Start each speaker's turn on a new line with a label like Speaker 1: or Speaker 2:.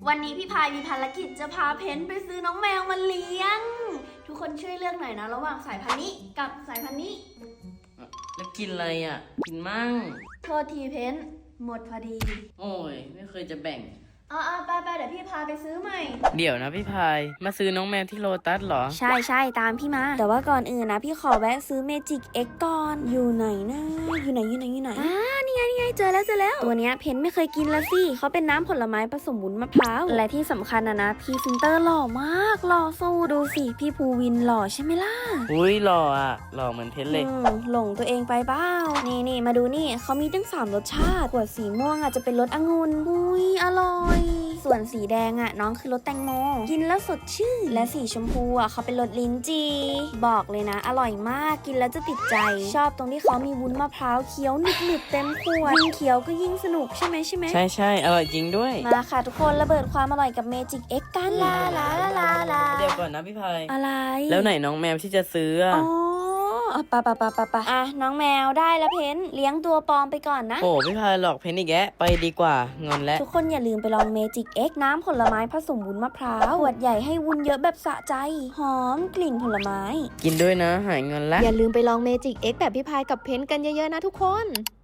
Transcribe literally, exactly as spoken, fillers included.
Speaker 1: วันนี้พี่พายมีภารกิจจะพาเพนไปซื้อน้องแมวมาเลี้ยงทุกคนช่วยเลือกหน่อยนะระหว่างสายพันธุ์นี้กับสายพันธุ์นี้
Speaker 2: แล้วกินอะไรอ่ะกินมั่ง
Speaker 1: โทษทีเพนหมดพอดี
Speaker 2: โอ้ยไม่เคยจะแบ่ง
Speaker 1: อ่าไปไปเดี๋ยวพี่พาไปซื้อใหม่
Speaker 2: เดี๋ยวนะพี่พายมาซื้อน้องแมวที่โลตัสเหรอ
Speaker 1: ใช่ใช่ตามพี่มาแต่ว่าก่อนอื่นนะพี่ขอแวะซื้อเมจิกเอ็กก่อนอยู่ไหนนะอยู่ไหนอยู่ไหนอยู่ไหนอ่านี่ไงนี่ไงเจอแล้วเจอแล้วตัวเนี้ยเพนไม่เคยกินละสิเขาเป็นน้ำผลไม้ผสมวุ้นมะพร้าวและที่สำคัญนะนะพี่ฟินเตอร์หล่อมากหล่อสู้ดูสิพี่ภูวินหล่อใช่ไหมล่ะ
Speaker 2: อุ้ยหล่ออ่ะหล่อเหมือนเพนเลย
Speaker 1: หลงตัวเองไปเปล่านี่นี่มาดูนี่เขามีตั้งสามรสชาติขวดสีม่วงอ่ะจะเป็นรสองุ่นอุ้ยอร่อยส่วนสีแดงอ่ะน้องคือรสแตงโมกินแล้วสดชื่นและสีชมพูอ่ะเขาเป็นรสลิ้นจี่บอกเลยนะอร่อยมากกินแล้วจะติดใจชอบตรงที่เขามีวุ้นมะพร้าวเคี้ยวหนึบหนึบเต็มขวดยิ่งเคี้ยวก็ยิ่งสนุกใช่ไหมใช่ไหม
Speaker 2: ใช่ใช่อร่อยจริงด้วย
Speaker 1: มาค่ะทุกคนระเบิดความอร่อยกับเมจิกเอ็กกันลาลาลาลาลา
Speaker 2: เดี๋ยวก่อนนะพี่พาย
Speaker 1: อะไร
Speaker 2: แล้วไหนน้องแมวที่จะซื้อ
Speaker 1: อ๋อปะปะปะปะปะอ่ะน้องแมวได้แล้วเพนเลี้ยงตัวปลอมไปก่อนนะ
Speaker 2: โอ้พี่พายหลอกเพนอีกแกไปดีกว่างอนแล้ว
Speaker 1: ทุกคนอย่าลืมไปลองเมจิกเอ็กน้ำผลไม้ผสมวุ้นมะพร้าวขวดใหญ่ให้วุ้นเยอะแบบสะใจหอมกลิ่นผลไม้
Speaker 2: กินด้วยนะหายงอนแล้ว
Speaker 1: อย่าลืมไปลองเมจิกเอ็กแบบพี่พายกับเพนกันเยอะๆนะทุกคน